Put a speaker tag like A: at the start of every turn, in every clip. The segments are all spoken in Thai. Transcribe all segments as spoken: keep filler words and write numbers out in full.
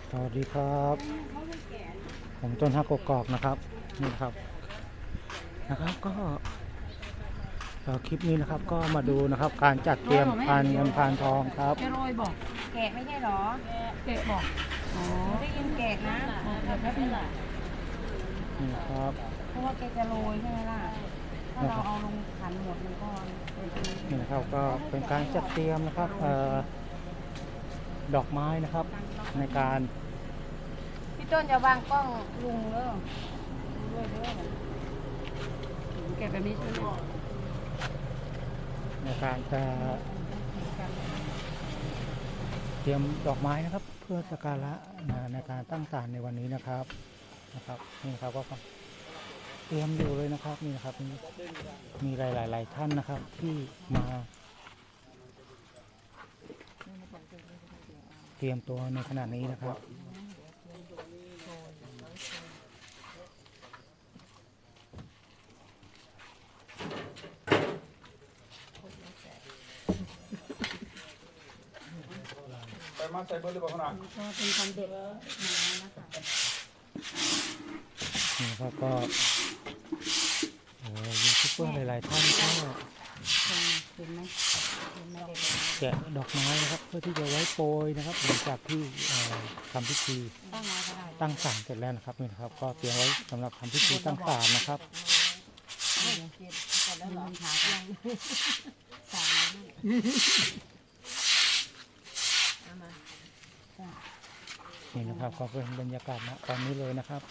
A: สวัสดีครับผมต้นฮักกกอกนะครับนี่ครับนะครับก็คลิปนี้นะครับก็มาดูนะครับการจัดเตรียมพานเงินพานทองครับ
B: จะโรยบอกแกะไม่ใช่หรอแกะบอกอ๋อได้ยินแกะนะเดี๋ยวแป๊บนึง
A: นี่ครับ
B: เพราะว่าแกจะโรยใช่ไหมล่ะถ้าเราเอาลงขันหมดมันก็
A: นี่นะครับก็เป็นการจัดเตรียมนะครับเอ่อดอกไม้นะครับในการ
B: พี่ต้นจะวางกล้องลุงเด้อด้วยเด้อแกะแบบนี้ใช่ไหม
A: ในการจะเตรียมดอกไม้นะครับเพื่อสักการะในการตั้งศาลในวันนี้นะครับนะครับนี่ครับก็เตรียมอยู่เลยนะครับนี่นะครับมีหลายๆท่านนะครับที่มาเตรียมตัวในขณะนี้นะครับ
C: ไปมาใส่เบอร์หรือเปล่าขนาด
B: ก็เป็นคอนเด็ดมานะคะ
A: นี่ครับก็ยูทูบเบอร์หลายๆท่านก็
B: เห็นไหม
A: แกะดอกไม้นะครับเพื่อที่จะไว้โปรยนะครับหลังจากที่ทำพิธีตั้งศาลเสร็จแล้วนะครับนี่นะครับก็เตรียมไว้สำหรับทำพิธีตั้งศาลนะครับนี่นะครับก็เป็นบรรยากาศณตอนนี้เลยนะครับ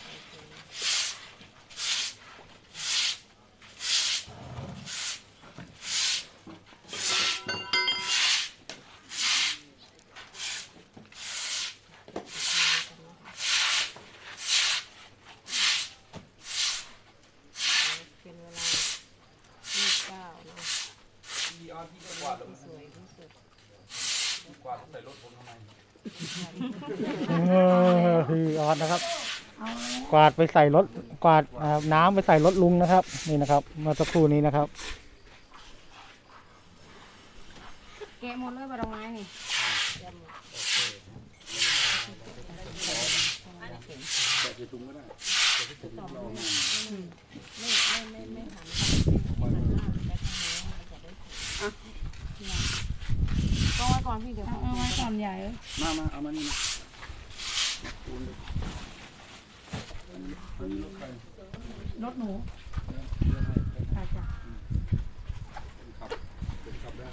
B: เป็นเวลายี่สิบเก้านะ
C: ที่ออนที่กวาดสวยที่สุดกวาดใส่รถผมทำไม
A: พี่ออสนะครับกวาดไปใส่รถกวาดน้ำไปใส่รถลุงนะครับนี่นะครับเมื่อสักครู่นี้นะครับ
B: แกะหมดเลยบะดอกไม้นี่
C: แบบจะตุ้งก็ได้
B: ไม่ไม่ไม่ไม่หันก็ไว้ก่อนพี่เดี๋ยวเอาไว้ก่อนใหญ่เลย
C: มามาเอามานี่นะ
B: รถหนูค่ะจ้ะ
C: ขับเป็นขับได้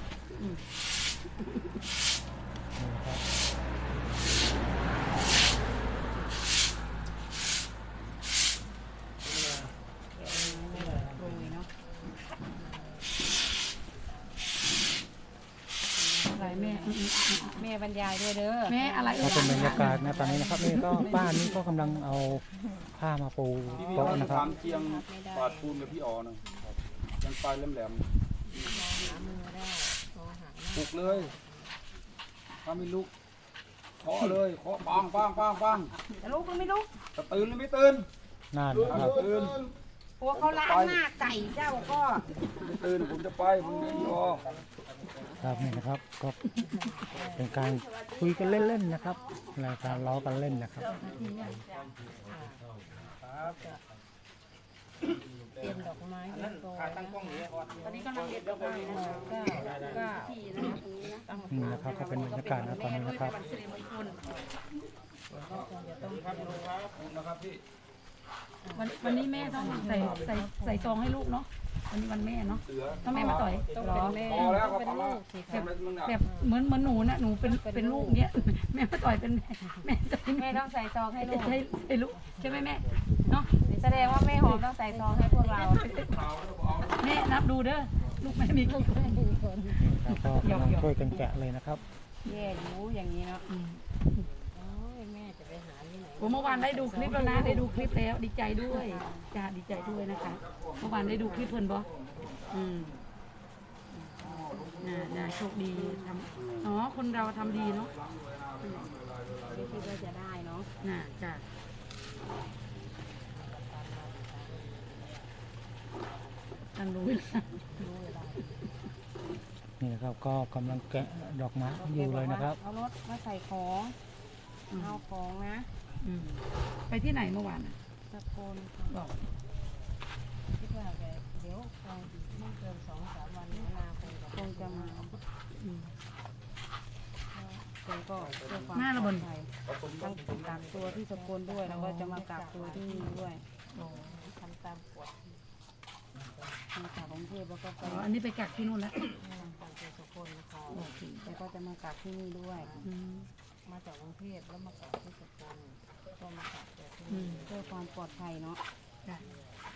B: แม่แม่บรรยายด้วยเด้อแม่อะไร
A: ก็เป็นบรรยากาศนะตอนนี้นะครับนี่ก็บ้านนี้ก็กำลังเอาผ้ามาปูโต๊ะนะครับ
C: เตียงปาดปูนกับพี่อ๋อนะยังปลายแหลมๆปลุกเลยถ้าไม่ลุกเคาะเลยเคาะปังปังปังปัง
B: จะลุกหรือไม่ลุก
C: จะตื่นหรือไม่ตื่น
A: นั่นครับ
C: ตื่น
B: โอ้เขาล้างหน้าไก่เจ้าก็
C: ไม่ตื่นผมจะไปผมจะพี่อ๋อ
A: ครับนี่นะครับก็เป็นการคุยกันเล่นๆนะครับรายการล้อกันเล่นนะครับ
B: เตรียมดอกไม้ตอนนี้กำลังเด็ดดอกไม้นะคะก็ก็ที่
A: นี่นะครับก็เป็นบรรยากาศนะตอนนี้นะครับ
B: วันวันนี้แม่ต้องใส่ใส่ใส่ซองให้ลูกเนาะวันนี้วันแม่เนาะต้องแม่มาต่อยต้องเป็นแม่ต้องเป็นลูกสิแบบแบบเหมือนเหมือนหนูนะหนูเป็นเป็นลูกเนี้ยแม่มาต่อยเป็นแม่แม่แม่ต้องใส่ซองให้ลูกใช่ใช่ลูกใช่ไหมแม่เนาะแสดงว่าแม่หอมต้องใส่ซองให้พวกเราแม่นับดูเด้อลูกแม่มีกี่คน
A: แล้วก็กำลังช่วยกันแกะเลยนะครับ
B: แย่รู้อย่างนี้เนาะผมเมื่อวานได้ดูคลิปแล้วนะได้ดูคลิปแล้วดีใจด้วยจ้าดีใจด้วยนะคะเมื่อวานได้ดูคลิปเพิ่นบออืมน่าน่าโชคดีทำอ๋อคนเราทำดีเนาะไม่คิดว่าจะได้เนาะน่าจ้าทำรู้
A: นี่นะครับก็กำลังแกะดอกไม้อยู่เลยนะครับ
B: เอารถมาใส่ของ
D: เอาของนะ
B: อืมไปที่ไหนเมื่อวานน่ะ
D: ตะโกน
B: บอก
D: คิดว่าแกเดี๋ยวคงไม่เกินสองสามวันนี้นาคงจะคงจะมา
B: อืม
D: แกก็เพื่อความ
B: หน้าระบน
D: ปลอดภัยทั้งกักตัวที่สกลด้วยแล้วก็จะมากักตัวที่นี่ด้วยทำตามกฎมาจากกรุงเทพแล้วก็ไป
B: อ๋ออันนี้ไปกักที่นู่นแล้ว
D: กักตัวสกลค่ะแกก็จะมากักที่นี่ด้วย
B: อืม
D: มาจากกรุงเทพแล้วมากักที่สกลก็มากักตัวที่
B: อื
D: นี่
B: ม
D: เพื่อความปลอดภัยเนาะ
B: จ้ะ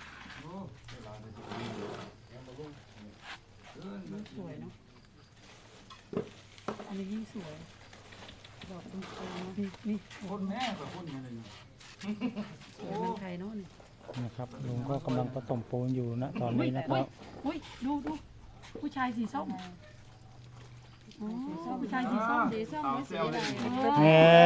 B: สวยเนาะอันนี้ยิ่งสวย
D: ดอกคุณครูนะ
B: นี่นี่
C: คนแม่กับคนยังไงเนี่ย
B: สวยเมืองไทยเนาะนี่
A: นะครับลุงก็กำลังผสมปูนอยู่นะตอนนี้นะค
B: อุ้
A: รั
B: ย
A: บ
B: อุ้ยดูดูผู้ชายสีส้มอ๋อผู้ชายสีส้ม
D: สีส้มไม่สีอะไร
A: แน่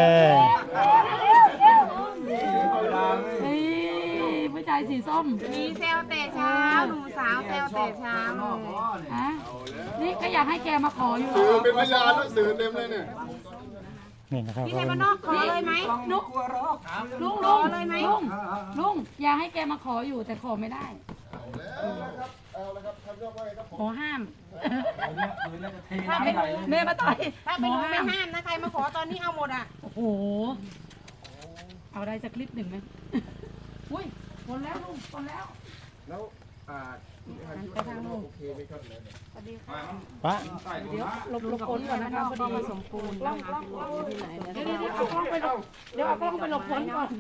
B: เฮ้ยผู้ชายสีส้ม
D: มีเซลเตะเช้าหนุ่มสาวเซลเตะเช้าเลย
B: ฮะนี่ก็อยากให้แกมาขออยู่
E: สื่อเป็นพยานแล้วสื่อเต็มเลยเนี่ย
A: นี่นะครับ
D: พี่
A: ก็
D: ไทย
A: เป็
D: บ้าน นนอกขอเลยไหม
B: ลุงลุงลุงลุงลุงอยากให้แกมาขออยู่แต่ขอไม่ได้
E: เอาละครับท่านเจ้าว่าไงครับ
B: ขอห้าม
D: ถ้าเป็น
B: แม่มาต่อย
D: ถ้าเป็นหนูไม่ห้ามนะใครมาขอตอนนี้เอาหมดอ่ะ
B: โอ้โหเอาได้สักคลิปหนึ่งไหมอุ้ยคนแล้วลุงคนแล้ว
E: แล้วอ่า
D: ไปทางนู้น
E: โอเคไหมครับเนี่ย
D: สวัสดีค่ะ
A: ปะ
D: เดี๋ยวหลบหลบฝนก่อนนะคะพอดีผสมปูนนะคะที่ไหน
B: เดี๋ยวเดี๋ยวเดี๋ยวเอากล้องไปหลบเดี๋ยวเอากล้องไปหลบฝนก่อน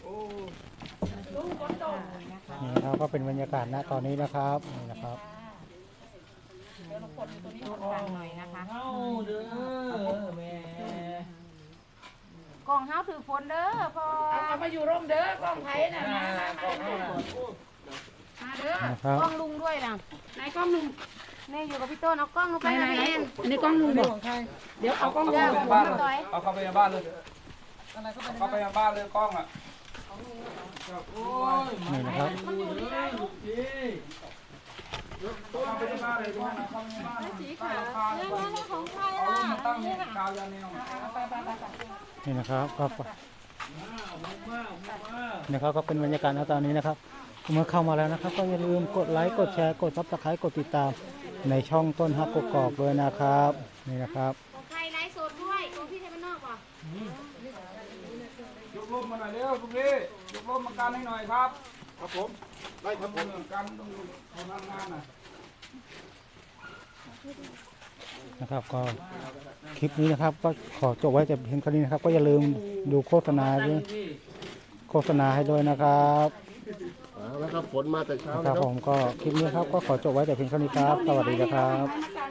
A: นี่นะครับก็เป็นบรรยากาศณตอนนี้นะครับนี่นะครับ
D: ฟังหน่อยนะคะกล่องเฮาถือฝนเด้อพอ
B: เอามาอยู่ร่มเด้อกล้องไทยน่ะมามามามาเด้อ
A: นะครับ
D: กล้องลุงด้วยนะ
B: ไหนกล้องลุง
D: นี่อยู่กับพี่ต้นเอากล้องลง
B: ไห
D: ไป
B: นไหน
D: นะ
B: ไหน
D: เอ็น
B: อันนี้กล้องลุงบอกเดี๋ยวเอากล้องลุง
C: เข้าไปในบ้านเลยเอาเข้าไปในบ้านเลยเข้าไปในบ้านเลยกล้องอ่ะ
A: นี่นะครับ
C: เข้าไปในบ้านเลยเข้าไปในบ้านเลยสีขาว
D: ของใคร
C: เอา
D: ล่ะ
C: มาตั้งกาวยาแนว
A: นี่นะครับก็นะครับก็เป็นบรรยากาศณตอนนี้นะครับเมื่อเข้ามาแล้วนะครับ ก็อย่าลืมกดไลค์กดแชร์กดซับสไครต์กดติดตามในช่องต้นฮักกกอกด้วยนะครับนี่นะครับ
D: ของใครไลฟ์สดด้วยของพี่ไทยบ้านนอกป่ะ
C: ยกร่มมาหน่อยเร็วทุกทียกร่มมากันให้หน่อยครับ
E: ครับผมได้ครับผ
C: ต้อ
E: ม
C: งกันต้องทำงานน่ะ
A: นะครับก็คลิปนี้นะครับ ก็ขอจบไว้แต่เพียงเท่านี้นะครับ ก็อย่าลืมดูโฆษณาด้วยโฆษณาให้ด้วยนะครับ
E: เอาละครับฝนมาแต่เช้า
A: นะค
E: นะ
A: รับ
E: ครับ
A: ผมก็คลิปนี้ครับก็ขอจบไว้แต่เพียงเท่านี้ครับ สวัสดีนะครับ